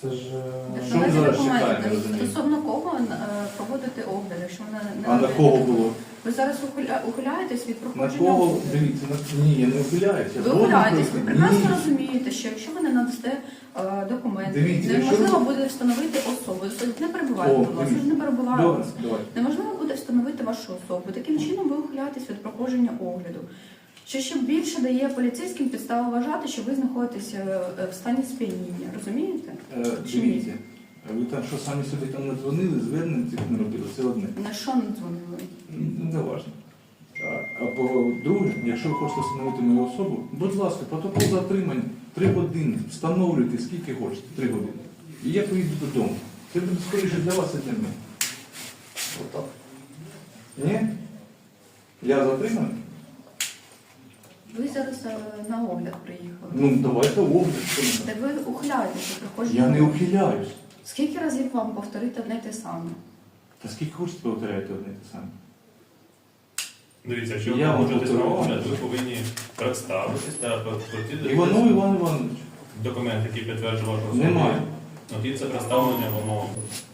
Це ж... Що ми зараз чекаємо, документи. розумієте? Стосовно кого проводити огляд, якщо вона не А на надаєте кого документи? було? Ви зараз ухиляєтесь від На проходження кого? огляду. Дивіться, ні, я не ухиляюся. Ви ухиляєтесь, ви прекрасно Ні. розумієте, що якщо ви не надасте документи, Дивіться, якщо неможливо ви- буде встановити особу. Не перебувайте, О, будь ласка, дивіться. не перебувайте. Добре, давайте. Неможливо буде встановити вашу особу. Таким чином ви ухиляєтесь від проходження огляду. Що ще більше дає поліцейським підставу вважати, що ви знаходитесь в стані сп'яніння. Розумієте? Чи ні? Дивіться, ви там що самі собі там не дзвонили, звернень цих не робили, це одне. На що не дзвонили? Не важно. А по-друге, якщо ви хочете встановити мою особу, будь ласка, протокол затримання 3 години, встановлюйте скільки хочете, 3 години. І я поїду додому. Це буде скоріше для вас, і для мене. Отак. Ні? Я затриманий? Ви зараз на огляд приїхали. Ну, давайте огляд. що Де ви ухиляєтеся від ми. проходження Я не огляду. ухиляюсь. Скільки разів вам повторити одне й те саме? Та скільки хочете повторяєте одне і те саме? Дивіться, якщо ви Я вам погоджуєтесь на повторюю. огляд, ви повинні представитись та платити Іванов Іван Іванович. документ, який підтверджує вашу особу. Немає. Ну, і це представлення вимог.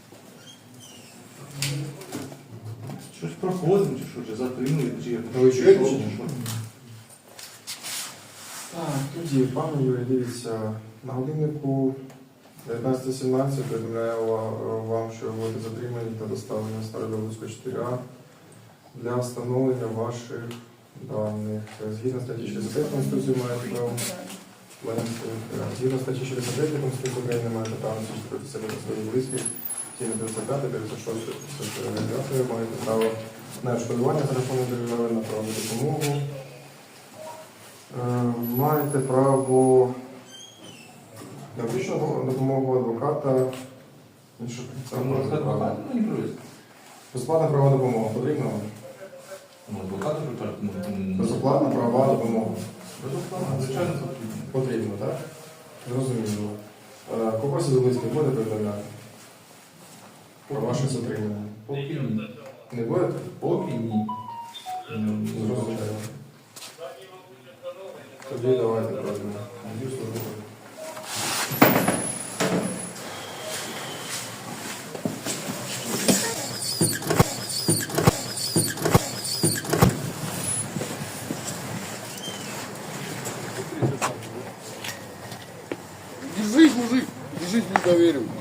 Щось проходимо, чи що, чи затримуєте, чи я Ви чуєте, пішов, чи ні? чи що? Так, тоді, пане Юрій, дивіться, на годиннику 19:17 повідомляю вам, що ви будете затримані та доставлені в Стародобицьку 4А для встановлення ваших даних. Згідно статті 65 Конституції маєте право. Згідно статті 69 Конституції України маєте право захистити себе та своїх близьких. Згідно 35, 56, 59 маєте право на відшкодування за рахунок держави, на правову допомогу. Маєте право на медичну допомогу адвоката. Що це Там може адвокат право? мені привезти. Безплатна правова допомога. Потрібна вам? Ну, адвоката припарти. Безоплатна правова допомога. Безоплатно, звичайно, потрібно. Потрібно, так? Зрозуміло. Когось із близьких буде повідомляти про ваше затримання? Поки ні. Не будете? Поки ні. Зрозуміло. Тоді давайте пройдемо. Надію службу. Держись, мужик, держись, не доверю.